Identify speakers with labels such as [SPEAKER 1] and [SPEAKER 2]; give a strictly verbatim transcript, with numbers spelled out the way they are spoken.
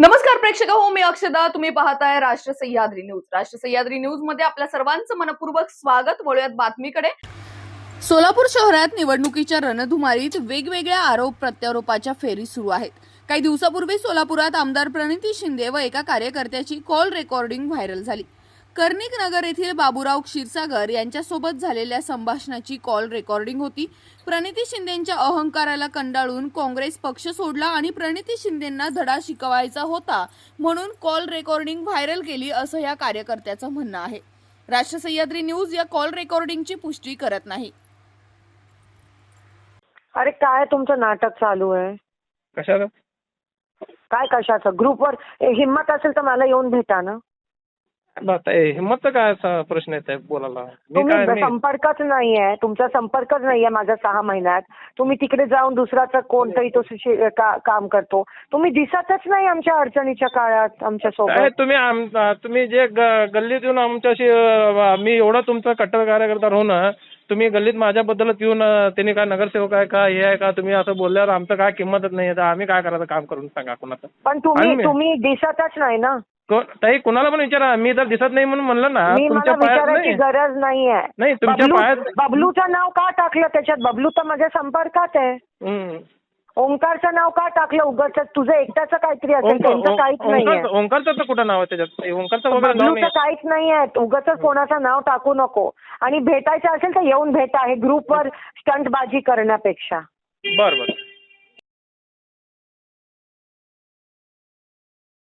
[SPEAKER 1] नमस्कार प्रेक्षक हो, मी अक्षदा. तुम्ही पाहताय राष्ट्र सह्याद्री न्यूज. राष्ट्र सह्याद्री न्यूज मध्ये आपल्या सर्वांचं मनपूर्वक स्वागत. वळूयात बातमीकडे. सोलापूर शहरात निवडणुकीच्या रणधुमारीत वेगवेगळ्या आरोप प्रत्यारोपाच्या फेरी सुरू आहेत. काही दिवसापूर्वी सोलापुरात आमदार प्रणिती शिंदे व एका कार्यकर्त्याची कॉल रेकॉर्डिंग व्हायरल झाली. कर्णिक नगर येथील बाबूराव क्षीरसागर यांच्यासोबत झालेल्या संभाषणाची कॉल रेकॉर्डिंग होती. प्रणिती शिंदेंच्या अहंकाराला कंटाळून काँग्रेस पक्ष सोडला आणि प्रणिती शिंदेंना धडा शिकवायचा होता म्हणून कॉल रेकॉर्डिंग व्हायरल केली असं या कार्यकर्त्याचं म्हणणं आहे. राष्ट्र सह्याद्री न्यूज या कॉल रेकॉर्डिंगची पुष्टी करत नाही.
[SPEAKER 2] अरे काय तुमचं नाटक चालू आहे?
[SPEAKER 3] कशाला?
[SPEAKER 2] काय कशाचं? ग्रुपवर हिम्मत असेल तर मला येऊन भेटा ना.
[SPEAKER 3] आता हिंमतचा काय असा प्रश्न येत आहे बोलायला? मी काय
[SPEAKER 2] तुम्ही संपर्कच नाहीये, तुमचा संपर्कच नाहीये माझा सहा महिन्यात. तुम्ही तिकडे जाऊन दुसराचा कोणतरी तो शि- का- काम करतो. तुम्ही दिसतच नाही आमच्या अडचणीच्या काळात आमच्या
[SPEAKER 3] काय
[SPEAKER 2] सोबत.
[SPEAKER 3] तुम्ही आम- तुम्ही जे ग- गल्लीत येऊन आमच्याशी अं, मी एवढा तुमचा कट्टर कार्यकर्ता राहून तुम्ही गल्लीत माझ्याबद्दलच येऊन अं, त्यांनी काय नगरसेवक आहे का हे आहे का तुम्ही असं बोलल्यावर आमचं काय किंमतच नाही. तर आम्ही काय करायचं काम करून सांगा कोणाचं?
[SPEAKER 2] पण तुम्ही
[SPEAKER 3] आम्ही-
[SPEAKER 2] तुम्ही दिसतच नाही ना.
[SPEAKER 3] को- ताई कुणाला पण विचारा. मी जर दिसत नाही म्हणून म्हणलं ना
[SPEAKER 2] मी मला
[SPEAKER 3] तुमच्या पायात
[SPEAKER 2] विचारायची
[SPEAKER 3] नाही
[SPEAKER 2] गरज नाहीये.
[SPEAKER 3] नाही तुमच्या
[SPEAKER 2] बबलू-
[SPEAKER 3] पायात
[SPEAKER 2] बबलूचं नाव का टाकलं त्याच्यात? बबलू तर माझ्या संपर्कात आहे.
[SPEAKER 3] हम्म.
[SPEAKER 2] ओंकारचं नाव का टाकलं? उगाच तुझं एकट्याचं काहीतरी असेल,
[SPEAKER 3] ओंकार-
[SPEAKER 2] त्यांचं काहीच नाहीये.
[SPEAKER 3] ओंकार- ओंकारचं तर कुठं नाव आहे त्याच्यात? ओंकारचं वगैरे नाव
[SPEAKER 2] बबलूचं
[SPEAKER 3] नाही.
[SPEAKER 2] काहीच नाहीये. उगाच कोणाचं नाव टाकू नको. आणि भेटायचं असेल तर येऊन भेटा. हे ग्रुपवर स्टंटबाजी करण्यापेक्षा.
[SPEAKER 3] बरं बरं